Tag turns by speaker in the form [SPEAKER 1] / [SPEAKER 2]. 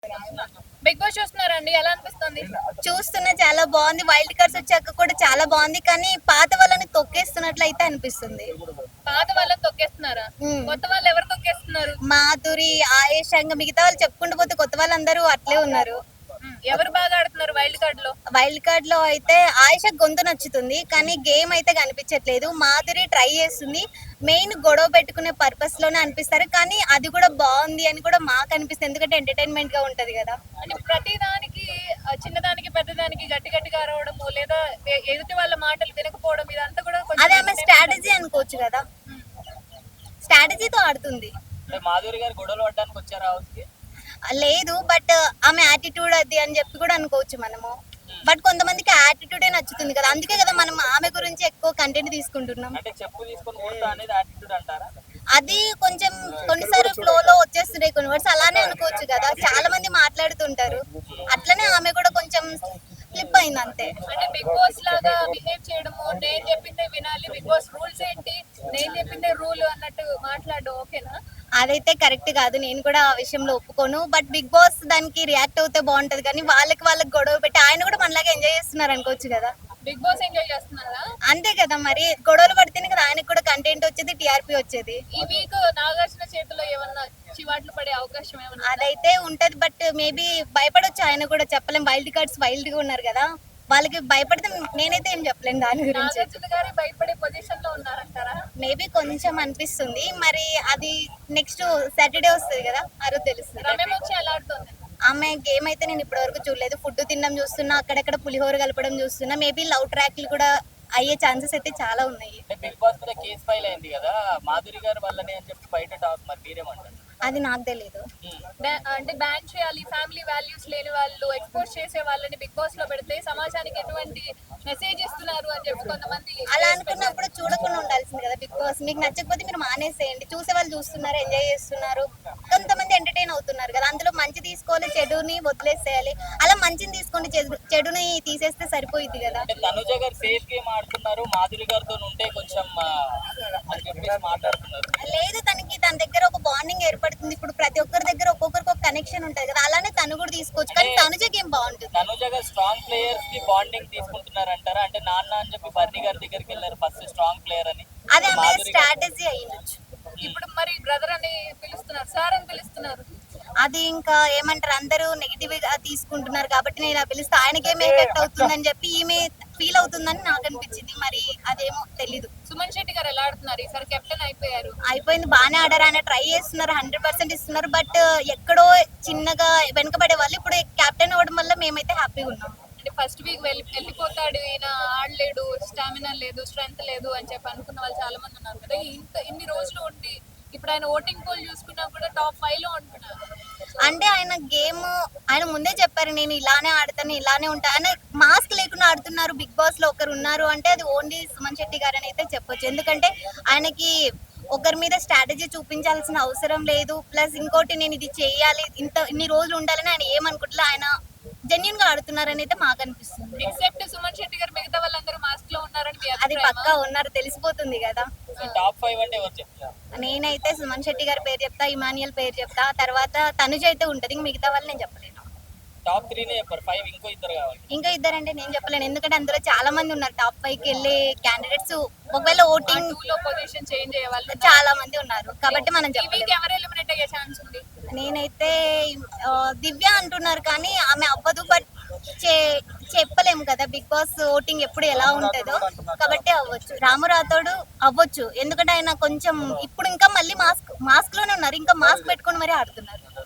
[SPEAKER 1] Big boss చూస్తున్నారండి, ఎలా అనిపిస్తుంది?
[SPEAKER 2] చూస్తున్నా, చాలా బాగుంది. వైల్డ్ కార్డ్స్ వచ్చాక కూడా చాలా బాగుంది, కానీ పాత వాళ్ళని తొక్కేస్తున్నట్లయితే అనిపిస్తుంది.
[SPEAKER 1] పాత వాళ్ళని తొక్కేస్తున్నారా? కొత్త వాళ్ళు ఎవరు తొక్కేస్తున్నారు?
[SPEAKER 2] మాధురి, ఆయేష్, ఇంకా మిగతా వాళ్ళు చెప్పుకుంటూ పోతే కొత్త వాళ్ళందరూ అట్లే ఉన్నారు.
[SPEAKER 1] ఎవరు బాగా ఆడుతున్నారు వైల్డ్ కార్డ్ లో?
[SPEAKER 2] వైల్డ్ కార్డ్ లో అయితే ఆయేష గొంతు నచ్చుతుంది, కానీ గేమ్ అయితే కనిపించట్లేదు. మాధురి ట్రై చేస్తుంది, మెయిన్ గొడవ పెట్టుకునే పర్పస్ లోనే అనిపిస్తారు, కానీ అది కూడా బాగుంది అని కూడా మాకు అనిపిస్తుంది, ఎందుకంటే ఎంటర్టైన్మెంట్ గా ఉంటది కదా.
[SPEAKER 1] అంటే ప్రతి దానికి చిన్నదానికి పెద్దదానికి గట్టి గట్టిగా అరవడము, లేదా ఎదుటి వాళ్ళ మాటలు వినకపోవడం, ఇదంతా కూడా
[SPEAKER 2] అదే ఆమె స్ట్రాటజీ అనుకోవచ్చు కదా, స్ట్రాటజీతో ఆడుతుంది.
[SPEAKER 3] మాధురి గారు గొడవలు పడడానికి వచ్చారు హౌస్ కి?
[SPEAKER 2] లేదు, బట్ ఆమె యాటిట్యూడ్ అది అని చెప్పి కూడా అనుకోవచ్చు మనము. బట్ కొంతమందికి యాటిట్యూడే నచ్చుతుంది కదా, అందుకే కదా మనం ఆమె గురించి ఎక్కువ కంటెంట్ తీసుకుంటున్నాం.
[SPEAKER 3] అంటే చెప్పు తీసుకొని కొడతా అనేది యాటిట్యూడ్ అంటారా?
[SPEAKER 2] అది కొంచెం కొన్నిసార్లు ఫ్లో లో వచ్చేస్తున్నాయి కొన్ని వర్డ్స్, అలానే అనుకోవచ్చు కదా. చాలా మంది మాట్లాడుతుంటారు, అట్లనే ఆమె కూడా కొంచెం ఫ్లిప్ అయింది అంతే.
[SPEAKER 1] అంటే బిగ్ బాస్ లాగా బిహేవ్ చేయడము, నేను చెప్పిందే వినాలి, బిగ్ బాస్ రూల్స్ ఏంటి, నేను చెప్పిందే రూల్ అన్నట్టు మాట్లాడడం ఓకేనా?
[SPEAKER 2] అదైతే కరెక్ట్ కాదు, నేను కూడా ఆ విషయంలో ఒప్పుకోను. బట్ బిగ్ బాస్ దానికి రియాక్ట్ అవుతే బాగుంటది, కానీ వాళ్ళకి గొడవ పెట్టి ఆయన కూడా మనలాగా ఎంజాయ్ చేస్తున్నారు అనుకోవచ్చు కదా.
[SPEAKER 1] బిగ్ బాస్ ఎంజాయ్ చేస్తున్నారా?
[SPEAKER 2] అంతే కదా, మరి గొడవలు పడితేనే కదా ఆయనకు కూడా కంటెంట్ వచ్చేది, టీఆర్పీ వచ్చేది.
[SPEAKER 1] ఈ వీక్ నాగార్జున చేతిలో ఏమన్నా చివాట్లు పడే అవకాశం ఏమన్నా?
[SPEAKER 2] అదైతే ఉంటది, బట్ మేబీ భయపడొచ్చు ఆయన కూడా, చెప్పలేం. వైల్డ్ కార్డ్స్ వైల్డ్ గా ఉన్నారు కదా, వాళ్ళకి భయపడితే నేనైతే ఏం చెప్పలేను దాని గురించి.
[SPEAKER 1] నాగార్జున గారి భయపడే పొజిషన్ లో ఉన్నారంటారా?
[SPEAKER 2] మేబీ కొంచెం అనిపిస్తుంది, మరి అది నెక్స్ట్ సాటర్డే వస్తుంది కదా, ఆ రోజు తెలుస్తుంది.
[SPEAKER 1] రమ్యం వచ్చి ఎలా ఆడుతుంది?
[SPEAKER 2] ఆమె గేమ్ అయితే నేను ఇప్పటి వరకు చూడలేదు. ఫుడ్ తినడం చూస్తున్నా, అక్కడక్కడ పులిహోర కలపడం చూస్తున్నా. మేబీ లవ్ ట్రాక్లు కూడా అయ్యే ఛాన్సెస్ అయితే చాలా ఉన్నాయి.
[SPEAKER 3] బిగ్ బాస్ మీద కేసు ఫైల్ అయింది కదా, మాధురి గారు వల్లనే అని చెప్పి బయట టాక్, మరి మీరేమంటారు?
[SPEAKER 2] అది నాకు తెలియదు.
[SPEAKER 1] అంటే బ్యాన్ చేయాలి, ఫ్యామిలీ వాల్యూస్ లేని వాళ్ళు ఎక్స్పోజ్ చేసే వాళ్ళని బిగ్ బాస్ లో పెడితే సమాజానికి ఎటువంటి మెసేజ్ ఇస్తున్నారు అని చెప్పి కొంతమంది.
[SPEAKER 2] అలా అనుకున్నప్పుడు చూడకుండా ఉండాల్సింది కదా బిగ్ బాస్. మీకు నచ్చకపోతే మీరు మానేసేయండి, చూసే వాళ్ళు చూస్తున్నారు, ఎంజాయ్ చేస్తున్నారు, కొంతమంది ఎంటర్టైన్ అవుతున్నారు కదా, అందులో మంచి తీసుకోవాలి, చెడుని వదిలేసేయాలి. అలా మంచిని తీసుకొని చెడుని తీసేస్తే సరిపోయింది కదా.
[SPEAKER 3] తనుజ గారు సేఫ్ గేమ్ ఆడుతున్నారు, మాధురి గారితో ఉంటే కొంచెం అని చెప్పేసి మాట్లాడుతున్నారు.
[SPEAKER 2] లేదు, తన దగ్గర ఒక బాండింగ్ ఏర్పడుతుంది. ఇప్పుడు ప్రతి ఒక్కరి దగ్గర ఒక్కొక్కరికి ఒక కనెక్షన్ ఉంటది కదా, అలానే తను కూడా తీసుకోవచ్చు, కానీ తనుజ గేమ్ బాగుంటుంది.
[SPEAKER 3] తనుజ గారు స్ట్రాంగ్ ప్లేయర్స్ కి బాండింగ్ తీసుకుంటున్నారు అంటారా? అంటే నాన్న అని చెప్పి బర్నీ గారి దగ్గరికి వెళ్ళారు ఫస్ట్ స్ట్రాంగ్ ప్లేయర్ అని,
[SPEAKER 2] అది ఆమె స్ట్రాటజీ అయ్యిండొచ్చు.
[SPEAKER 1] ఇప్పుడు మరి బ్రదర్ అని పిలుస్తున్నారు, సార్ అని పిలుస్తున్నారు.
[SPEAKER 2] అది ఇంకా ఏమంటారు, అందరూ నెగిటివ్ గా తీసుకుంటున్నారు కాబట్టి నేను ఇలా పిలిస్తే ఆయనకేం ఎఫెక్ట్ అవుతుందని చెప్పి ఈమె ఫీల్ అవుతుందని నాకు అనిపించింది, మరి అదేమో తెలీదు.
[SPEAKER 1] సుమన్ శెట్టి గారు ఎలా ఆడుతున్నారు? ఈసారి కెప్టెన్ అయిపోయారు.
[SPEAKER 2] అయిపోయింది, బాగానే ఆడారు, ఆయన ట్రై చేస్తున్నారు, 100% ఇస్తున్నారు. బట్ ఎక్కడో చిన్నగా వెనకబడే వాళ్ళు ఇప్పుడు కెప్టెన్ అవ్వడం వల్ల మేమైతే హ్యాపీగా ఉన్నాం.
[SPEAKER 1] అంటే ఫస్ట్ వీక్ వెళ్ళిపోతాడు, ఈయన ఆడలేడు, స్టామినా లేదు, స్ట్రెంగ్త్ లేదు అని చెప్పి అనుకున్న వాళ్ళు చాలా మంది ఉన్నారు కదా. ఇన్ని రోజులు ఉండి ఇప్పుడు ఆయన ఓటింగ్ పోల్ చూసుకున్నా కూడా టాప్ 5 లో ఉంటున్నారు.
[SPEAKER 2] అంటే ఆయన గేమ్ ఆయన ముందే చెప్పారు, నేను ఇలానే ఆడతాను, ఇలానే ఉంటా. ఆయన మాస్క్ లేకుండా ఆడుతున్నారు. బిగ్ బాస్ లో ఒకరు ఉన్నారు అంటే అది ఓన్లీ సుమన్ శెట్టి గారు అని అయితే చెప్పొచ్చు, ఎందుకంటే ఆయనకి ఒకరి మీద స్ట్రాటజీ చూపించాల్సిన అవసరం లేదు. ప్లస్ ఇంకోటి, నేను ఇది చేయాలి, ఇన్ని రోజులు ఉండాలని ఆయన ఏమనుకుంటున్నా, ఆయన జెన్యున్ గా ఆడుతున్నారని అయితే మాకు అనిపిస్తుంది.
[SPEAKER 1] ఎక్సెప్ట్ సుమన్ శెట్టి గారు మిగతా వాళ్ళందరూ మాస్క్ లో ఉన్నారని
[SPEAKER 2] అది పక్కా ఉన్నారు, తెలిసిపోతుంది కదా.
[SPEAKER 3] టాప్ 5 అంటే ఎవరు చెప్తారు?
[SPEAKER 2] నేనైతే సుమన్ శెట్టి గారి పేరు చెప్తా, ఇమానియల్ పేరు చెప్తా, తర్వాత తనుజ అయితే ఉంటది, మిగతా వాళ్ళు నేను చెప్పలేను.
[SPEAKER 3] టాప్ 3 నే చెప్పారు, 5 ఇంకో ఇద్దరు కావాలి.
[SPEAKER 2] ఇంకా ఇద్దరంటే నేను చెప్పలేను, ఎందుకంటే అందులో చాలా మంది ఉన్నారు టాప్ 5 కి వెళ్ళే క్యాండిడేట్స్. ఒకవేళ ఓటింగ్
[SPEAKER 1] 2 లో పొజిషన్ చేంజ్ అయ్యే వాళ్ళు
[SPEAKER 2] చాలా మంది ఉన్నారు, కాబట్టి మనం
[SPEAKER 1] చెప్పలేము. ఎవరు ఎలిమినేట్ అయ్యే ఛాన్స్ ఉంది?
[SPEAKER 2] నేనైతే దివ్య అంటున్నారు, కానీ ఆమె అవ్వదు. బట్ చెప్పలేము కదా, బిగ్ బాస్ ఓటింగ్ ఎప్పుడు ఎలా ఉంటుందో, కాబట్టి అవ్వచ్చు. రాము రాథోడు అవ్వచ్చు, ఎందుకంటే ఆయన కొంచెం ఇప్పుడు ఇంకా మళ్ళీ మాస్క్ లోనే ఉన్నారు, ఇంకా మాస్క్ పెట్టుకొని మరీ ఆడుతున్నారు.